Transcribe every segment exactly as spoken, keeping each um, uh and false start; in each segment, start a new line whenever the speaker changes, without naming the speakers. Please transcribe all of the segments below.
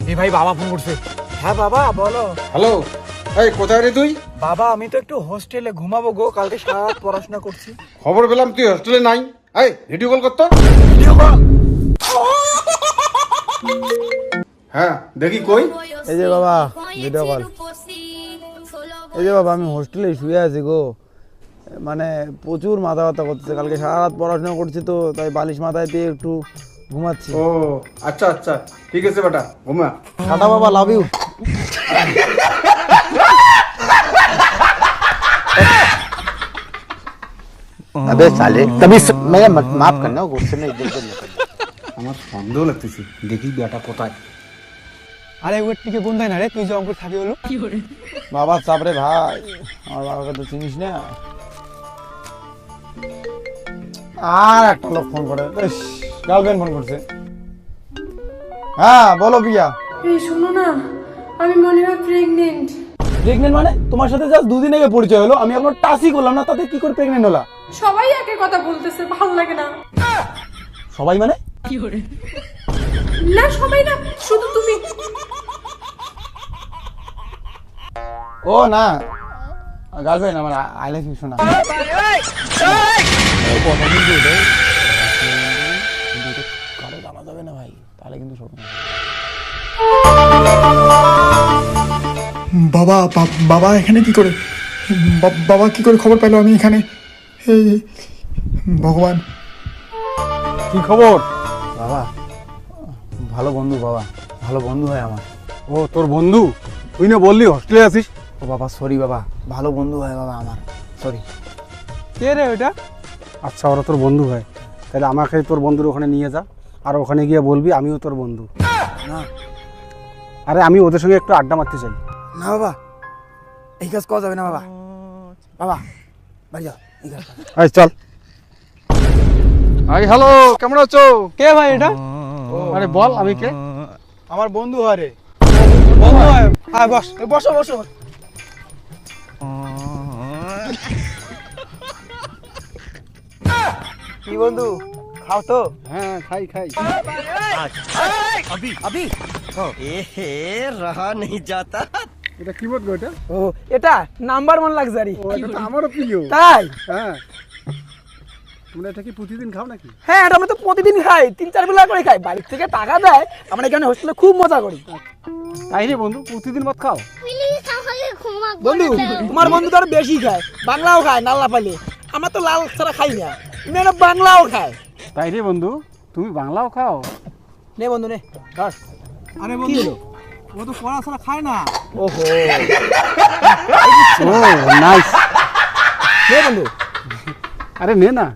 এই ভাই বাবা ফোন করছে।
হ্যাঁ বাবা বলো।
হ্যালো, এই কোথায় রে তুই?
বাবা আমি তো একটু হোস্টেলে ঘুমাবো গো, কালকে সারা রাত পড়াশোনা করছি।
খবর পেলাম তুই হোস্টেলে নাই। এই ভিডিও কল করতো।
Video call?
হ্যাঁ দেখি কই।
এই যে বাবা ভিডিও কল। এই যে বাবা আমি হোস্টেলে শুয়ে আছি গো, মানে প্রচুর মাথা ব্যথা করতেছে, কালকে সারা রাত পড়াশোনা করছি তো তাই বালিশ মাথায় দিয়ে একটু ঘুমাচ্ছি।
ও আচ্ছা আচ্ছা ঠিক আছে বেটা, ঘুমা।
টাটা বাবা, লাভ ইউ।
अबे साले कभी मैं माफ करना गुस्से में इधर उधर निकल।
আমার সন্দেহ লাগতেছে, দেখি বেটা কোথায়।
আরে ওর টিকে বন্ধাই না রে, তুই যে অঙ্কুর থাকি হলো
বাবা চাপরে ভাই, আমার বাবাকে তো চিনিস না। আর একটা লোক ফোন করে, গার্লফ্রেন্ড ফোন করছে। হ্যাঁ বলো প্রিয়া।
এই শোনো না, আমি মনে হয় প্রেগনেন্ট।
প্রেগনেন্ট মানে? তোমার সাথে জাস্ট দুদিন আগে পরিচয় হলো, আমি এখনো টাচই করলাম না, তাতে কি করে প্রেগনেন্ট হলা?
সবাই একই কথা বলতেছে, ভালো লাগে না।
সবাই মানে?
না সবাই না, শুধু তুমি।
ও না, গার্লফ্রেন্ড আমার, আই লাভ ইউ শোনা। কারো জানা যাবে না ভাই, তাহলে কিন্তু শোনো।
বাবা বা- বাবা এখানে কি করে? বা- বাবা কি করে খবর পেলো আমি এখানে? হে ভগবান।
কি খবর? বাবা ভালো বন্ধু, বাবা ভালো বন্ধু হয় আমার।
ও তোর বন্ধু? তুই না বললি হোস্টেলে আছিস?
ও বাবা সরি বাবা, ভালো বন্ধু হয় বাবা আমার, সরি।
কে রে ওটা? আচ্ছা ওরা তোর বন্ধু হয়, তাহলে আমাকে তোর বন্ধুর ওখানে নিয়ে যা, আর ওখানে গিয়ে বলবি আমিও তোর বন্ধু।
না
আরে আমি ওদের সঙ্গে একটু আড্ডা মারতে চাই।
না বাবা, এই কাজ করা যাবে না বাবা। বাবা বাড়ি যাও, এই কাজ করা যাবে না।
এই চল। আই হ্যালো, কেমন আছো? কে ভাই এটা? আরে বল আমি কে?
আমার বন্ধু হয় রে।
বন্ধু হয়? আয় বস।
এই বসো বসো। কি বন্ধু, খাও তো?
হ্যাঁ খাই খাই।
अभी ए हे रहा नहीं जाता।
এটা কি বলবো এটা?
ও এটা নাম্বার ওয়ান লাক্সারি।
ও এটা তো আমারও প্রিয়।
তাই?
হ্যাঁ। তোমরা এটা কি প্রতিদিন খাও নাকি?
হ্যাঁ এটা আমি তো প্রতিদিন খাই, তিন চার বেলা করে খাই, বাড়ির থেকে টাকা দেয়, আমরা এখানে হোস্টেলে খুব মজা করি।
তাই রে বন্ধু, প্রতিদিন মত খাও?
বন্ধু তোমার বন্ধু তো আরো বেশি খায়, বাংলাও খায় নাল্লা পালে, আমার তো লাল ছাড়া খাই না, মেয়েরা বাংলাও খায়।
তাই রে বন্ধু, তুমি বাংলাও খাও?
নে বন্ধু নে ধর।
আরে
কি
বন্ধু,
হলো?
ও তো পড়া ছাড়া খায় না।
ওহো
ও নাইস।
নে বন্ধু।
আরে নে না।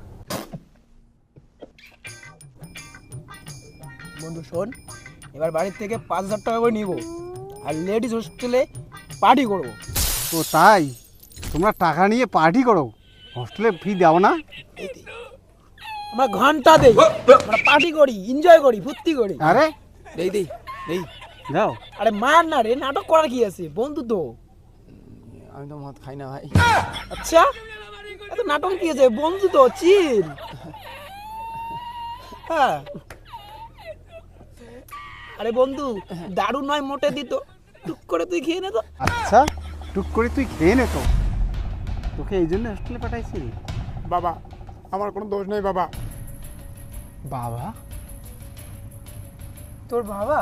বন্ধু শোন, এবার বাড়ির থেকে পাঁচ হাজার টাকা করে নিবো, আর লেডিস হোস্টেলে পার্টি করবো।
ও তাই? তোমরা টাকা নিয়ে পার্টি করো, হোস্টেলে ফি দাও না?
আমরা ঘন্টা দেই, আমরা পার্টি করি, এনজয় করি, ফুর্তি করি।
আরে
দেই দেই দেই।
যাও।
আরে মার না রে, নাটক করার কি আছে, বন্ধু তো। আমি তো মদ খাই না ভাই। আচ্ছা এত নাটক কি আছে, বন্ধু তো, চিল। হ্যাঁ আরে বন্ধু দারু নয় মোটে দিত, টুক করে তুই খেয়ে নে তো।
আচ্ছা টুক করে তুই খেয়ে নে তো, তোকে এই জন্য হোস্টেলে পাঠাইছি।
বাবা আমার কোনো দোষ নেই বাবা।
বাবা? তোর বাবা?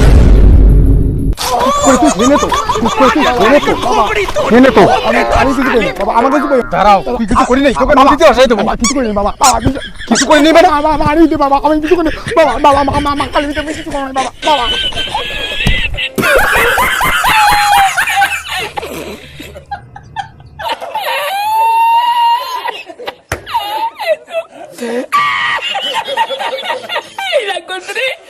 বাবা আমাকে কিছু করি
দাঁড়াও, তুই কিছু করি নাই, তোকে নদীতে আসাই দেবো।
বাবা কিছু করি না বাবা। বাবা কিছু
কিছু করি নি মানে?
বাবা বাবা আনি দে বাবা, আমি কিছু করি না। বাবা বাবা মা মা মা কালি আমি কিছু করি না বাবা। বাবা
রাগ করতে রে।